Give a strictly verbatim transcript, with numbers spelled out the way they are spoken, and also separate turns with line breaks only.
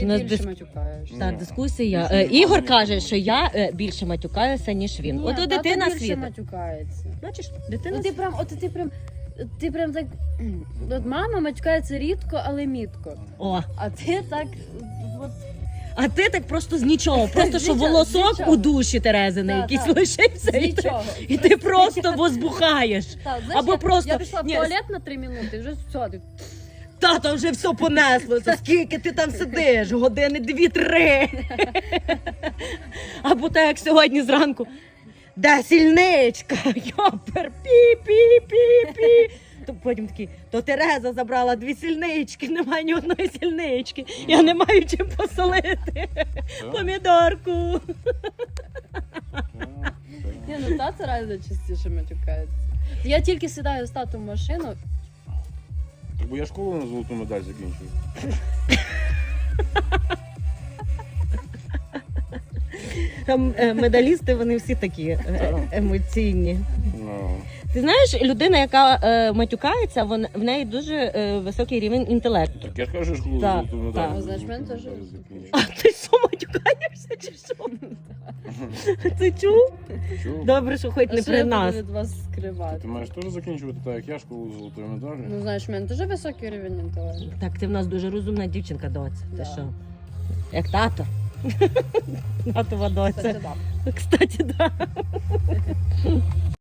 Ти
У нас
більше
дис-
матюкаєшся.
Та
Ні.
дискусія.
Більше
Е,
ніколи
Ігор
не
каже,
було.
що я е, більше матюкаюся, ніж він.
Ні,
От
тато
дитина
більше
світить.
матюкається.
Бачиш, дитина
Ну ти прям, от ти прям, ти прям так. От мама матюкається рідко, але мітко.
О,
А ти так. От,
а ти так просто з нічого, просто
З
що
нічого, з
волосок
нічого.
у душі Терезини
Да,
якийсь
да.
лишився,
з
і ти,
нічого.
і ти просто возбухаєш.
Так, знаєш,
Або
я,
просто-
я пішла в
Ні,
туалет на три минути, вже все. Ти...
Тато вже все понеслося, скільки ти там сидиш? Години дві-три. Або так, як сьогодні зранку. Де сільничка? Йопер, пі-пі-пі-пі. То потім такий, то Тереза забрала дві сільнички, немає ні одної сільнички. Я не маю чим посолити. Помідорку.
Ні, ну тато реально частіше матюкається. Я тільки сідаю з татом в машину.
Так бо я школу на золоту медаль закінчую.
Там е, медалісти, вони всі такі е, емоційні.
Ну,
Ти знаєш, людина, яка е, матюкається, вон, в неї дуже е, високий рівень інтелекту.
так я ж кажу, що школу на
Так,
золоту медаль.
так.
Ну, знаєш, мене теж
закінчую.
А ти що, матюкаєшся чи що? Ти чув?
Чув?
Добре, що хоч
А
не
що
при
я буду
нас.
від вас скривати?
Ти маєш теж закінчувати так, як я школу з золотою медаллю?
Ну, знаєш, в мене дуже високий рівень інтелекту.
Так, ти в нас дуже розумна дівчинка, доця. Ти
Да.
що? Як тато. Татова доця.
Кстати, да.
Кстати, так. Да.